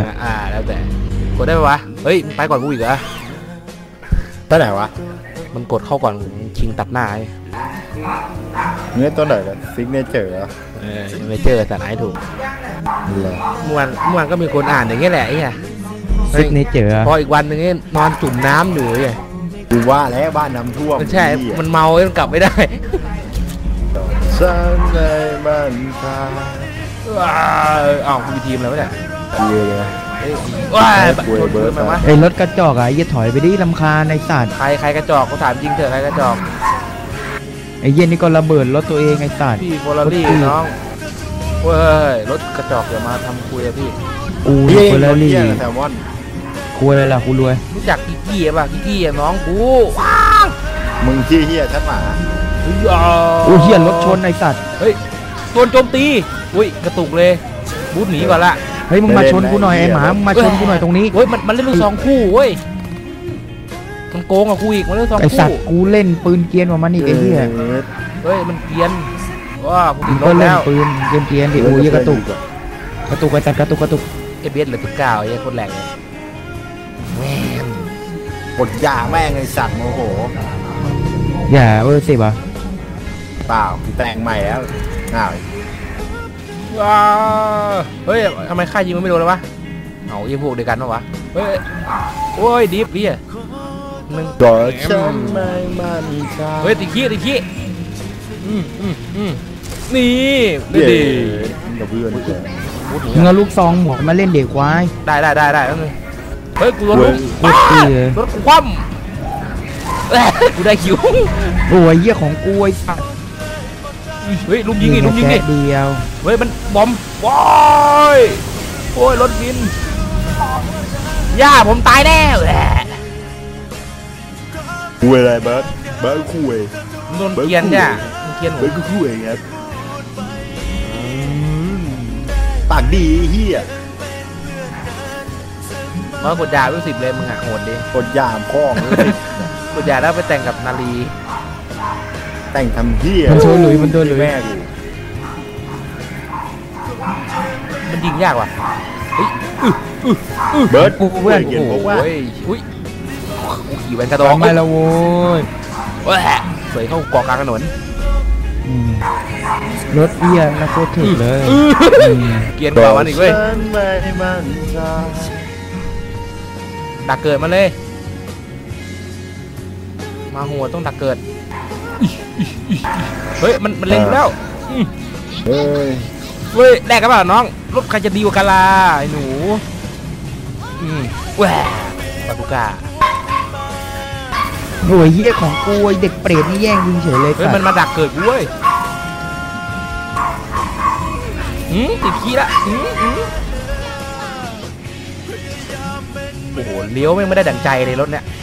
เนี่ยแล้วแต่กดได้ไหมวะเฮ้ยไปก่อนกูอีกเหรอตัวไหนวะมันกดเข้าก่อนชิงตัดหน้าเนื้อตัวไหนกันซิกเนเจอร์ไม่เจอแต่ไหนถูกเมื่อวานก็มีคนอ่านอย่างเงี้ยแหละไอ้เนี่ยซิกเนเจอร์พออีกวันนึงนี่นอนจุ่มน้ำอยู่ไงกูว่าแล้วบ้านน้ำท่วมใช่มันเมามันกลับไม่ได้ฉันในบ้านทาอ้าวมีทีมแล้วเนี่ยเลยว้ายเบิร์ดมาไอ้รถกระจอกอ่ะอย่าถอยไปดิลำคาญในสัตว์ใครกระจอกเขาถามจริงเถอะใครกระจอกไอ้เย็นนี่ก็ระเบิดรถตัวเองไอ้สัตว์พี่โฟลารี่น้องเว้ยรถกระจอกอย่ามาทำคุยอะพี่กูโฟลารี่แซลมอนคุยอะไรล่ะกูรวยรู้จักกิกกี้ป่ะกิกกี้น้องกูมึงขี้เหี้ยชัดหมาโอ้เหี้ยรถชนไอ้สัตว์เฮ้ยโดนโจมตีอุ้ยกระตุกเลยบูทหนีก่อนละเฮ้ยมึงมาชนกูหน่อยไอ้หมามึงมาชนกูหน่อยตรงนี้เฮ้ยมันเล่นลูกซองคู่เว้ยมันโกงกับกูอีกมันเล่นซองคู่ไอ้สัตว์กูเล่นปืนเกียนกว่ามันอีกไอ้เหี้ยเฮ้ยมันเกียนว้ากูติดลบแล้วปืนเกียนดิโอ้ยกระตุกไอ้สัตว์กระตุกเอเบสเหลือ9ไอ้คนแรงเลยแม่งปวดยาแม่งไอ้สัตว์โมโหอย่าสิบ่ะเปล่าแต่งใหม่แล้วอ้าวเฮ้ยทำไมค่ายยิงมันไม่โดนเลยวะเอายิงพวกเดียวกันปะวะเฮ้ยโอ้ยดิฟดิมึงกอดฉันไม่มันเฮ้ยติขี้นี่ดีกับเพื่อนมึงเอาลูกซองหมวกมาเล่นเด็กควายได้แล้วนึงเฮ้ยกูรถกูคว่ำกูได้คิวโอ้ยเหี้ยของกูไอ้สัตว์เฮ้ยลุงยิงดิเดียวเฮ้ยมันบอมว้ายโอ้ยรถบินย่าผมตายแน่คุยอะไรเบิร์ดคุยโดนเกียนเนี่ยเกียนเบิร์ดก็คุยครับปากดีเฮียมากดยาไป10เลยมึงอ่ะโหดดิกดยาพ่องกดยาแล้วไปแต่งกับนาลีแต่งทำเฮียมันโดนหลุยแม่กูมันยิงยากว่ะเบิร์ดกูเพื่อนโอ้ยอุ้ยขี่แวนกระดองไม่ละโว้ยเสยเข้าเกาะกลางถนนรถเอียงนะโคตรถึกเลยเกียร์กว่าวันอีกเว้ยดักเกิดมาเลยมาหัวต้องดักเกิดเฮ้ยมันเล็งแล้วเฮ้ยแลกกันเปล่าน้องรถใครจะดีกว่ากันล่ะไอ้หนูแหวปาตุก้าโอ้ยเหี้ยของกูเด็กเปรตนี่แย่งยิงเฉยเลยเฮ้ยมันมาดักเกิดกูเว้ยติดขี้ละโอ้โหเลี้ยวไม่ได้ดั่งใจเลยรถเนี้ย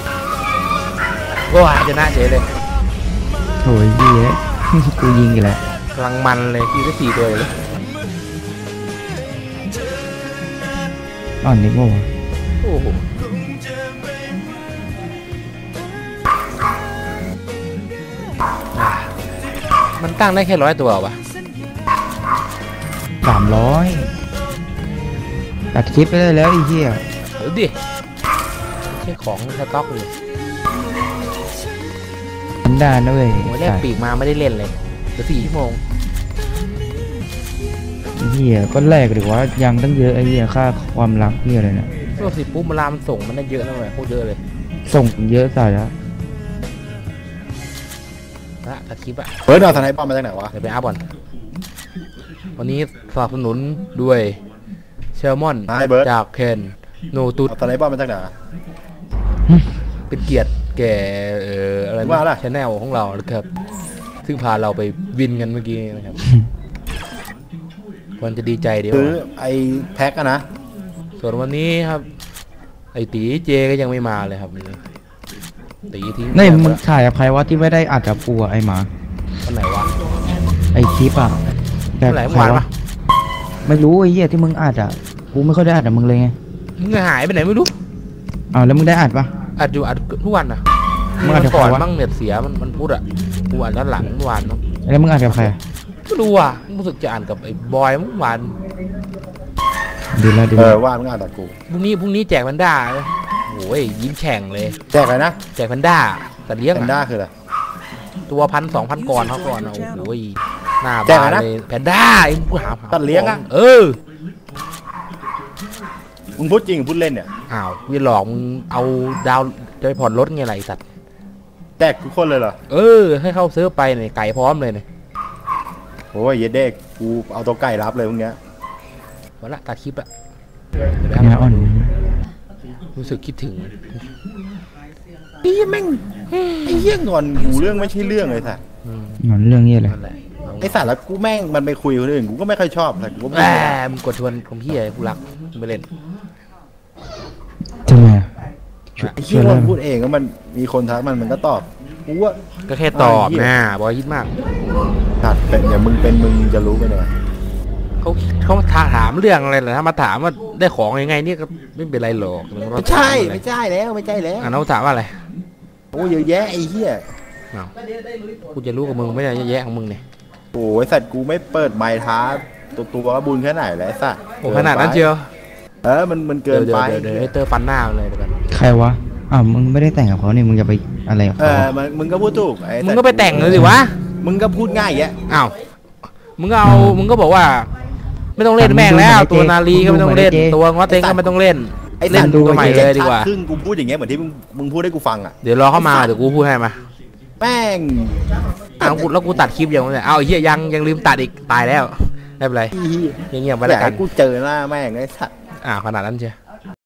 ว้าชนะเฉยเลยโอ้ยเหี้ยกูยิงกันแล้วกำลังมันเลยคิวได้4ตัวเลยอ่อนนิดมั้งโอ้โหมันตั้งได้แค่100 ตัววะ 300ตัดคลิปไปได้แล้วไอ้เหี้ยเดี๋ยวดิใช่ของสต็อกเลยได้นะเว้ยโอ้ยแรกปีกมาไม่ได้เล่นเลยเดี๋ยว4 ชั่วโมงเหี้ยก็แรกดีกว่ายังตั้งเยอะไอ้เหี้ยค่าความรักเหี้ยอะไรเนี่ยตัวสิปุ๊บเวลามันส่งมันได้เยอะนะเว้ยโคตรเยอะเลยส่งเยอะสัสละตัดคลิปอะเฮ้ยเอาทนายป้อมมาจากไหนวะเดี๋ยวไปอัพก่อนวันนี้สนับสนุนด้วยเชลมอนจากเคนโนตุตอนไหนป้อมมาจากไหนเป็นเกียรติแก่อะไรนะชาแนลของเรานะครับซึ่งพาเราไปวินกันเมื่อกี้นะครับวันจะดีใจเดียวซื้อไอ้แพ็คอะนะส่วนวันนี้ครับไอ้ตีเจก็ยังไม่มาเลยครับตีทิ้งนี่มึงถ่ายกับใครวะที่ไม่ได้อัดกับปูไอ้หมาคนไหนวะไอ้คลิปอะแบบใครวะไม่รู้ไอ้เหี้ยที่มึงอัดอะกูไม่ค่อยได้อัดกับมึงเลยไงมึงหายไปไหนไม่รู้แล้วมึงได้อัดปะอัดอยู่อัดทุกวันนะมึงอัดก่อนมั่งเน็ตเสียมันพูดอะกูอัดด้านหลังเมื่อวานเนาะแล้วมึงอัดกับใครไม่รู้อ่ะรู้สึกจะอ่านกับไอ้บอยเมื่อวานดีแล้วดีเอแล้วอว่ามึงอ่านแต่กูพรุ่งนี้แจกแพนด้าโอ้ยยิ้มแฉ่งเลยแจกอะไรนะแจกแพนด้าแต่เลี้ยงแพนด้าคืออะไรตัว1,000-2,000ก่อนเขาก่อนโอ้ยหน้าแจกบาอะไรนนะเลยแพนด้าไอ้กูหาสัตว์เลี้ยงอะเออมึงพูดจริงพูดเล่นเนี่ยอ้าวกูจะหลอกมึงเอาดาวจะไปผ่อนรถไงไรสัตว์แจกทุกคนเลยเหรอเออให้เข้าเซิร์ฟไปเนี่ยไก่พร้อมเลยเนี่ยโอ้ยเย็ดเด็กกูเอาตัวไก่รับเลยพวกเนี้ยวันละตัดคลิปละงาอ่อนรู้สึกคิดถึงพี่แม่งไอ้เหี้ยงอนกูเรื่องไม่ใช่เรื่องเลยสัตว์งอนเรื่องนี้อะไรนั่นแหละไอ้สัตว์แล้วกูแม่งมันไปคุยกับคนอื่นกูก็ไม่ค่อยชอบแต่กูก็แหไม่มมึงกดชวนผมพี่ไอ้กูรักมึงไปเล่นทำไมอะไอ้ช่เหี้วย ยมัเล่นนพูดเองก็มันมีคนทักมันก็ตอบกูว่าก็แค่ตอบไอ้เหี้ยนะบอกว่าคิดมากสัตว์เป็นอย่างมึงเป็นมึงจะรู้ไปเนี่ยเขาถามเรื่องอะไรเหรอถ้ามาถามว่าได้ของยังไงเนี่ยก็ไม่เป็นไรหรอกไม่ใช่ไม่ใช่แล้วไม่ใช่แล้วอ่ะน้องถามว่าอะไรโอ้ยเยอะแยะไอ้เหี้ยอ้าวกูจะรู้กับมึงไม่ได้เยอะแยะของมึงเนี่ยโอ้ยสัตว์กูไม่เปิดไมค์ท้าตัวก็บุญแค่ไหนแล้วไอ้สัตว์โอ้ขนาดนั้นเชียวเออมันเกินไปเดี๋ยวให้เตอร์ฟันหน้ามันเลยเดี๋ยวกันใครวะอ้าวมึงไม่ได้แต่งกับเขานี่มึงจะไปอะไรกับเอเขาอมึงก็พูดถูกไอ้สัตว์มึงก็ไปแต่งเลยสิวะมึงก็พูดง่ายแยะอ้าวมึงก็เอามึงก็บอกว่า ไม่ต้องเล่นแม่งแล้ว ตัวนาลีก็ไม่ต้องเล่น ตัวงอเต็งก็ไม่ต้องเล่นไอ้เล่สันตว์ตัวใหม่เลยดีกว่าครึ่งกูพูดอย่างเงี้ยเหมือนที่มึงพูดให้กูฟังอ่ะเดี๋ยวรอเข้ามาเดี๋ยวกูพูดให้มาแม่งอ้าวแล้วกูตัดคลิปยังไงเอาไอ้เหี้ยยังลืมตัดอีกตายแล้วไม่เป็นไรอีเงียบๆไปอแล้ยาว กกัให้นกูเจอหน้าแม่งไอ้สัตว์ขนาดนั้นเชียว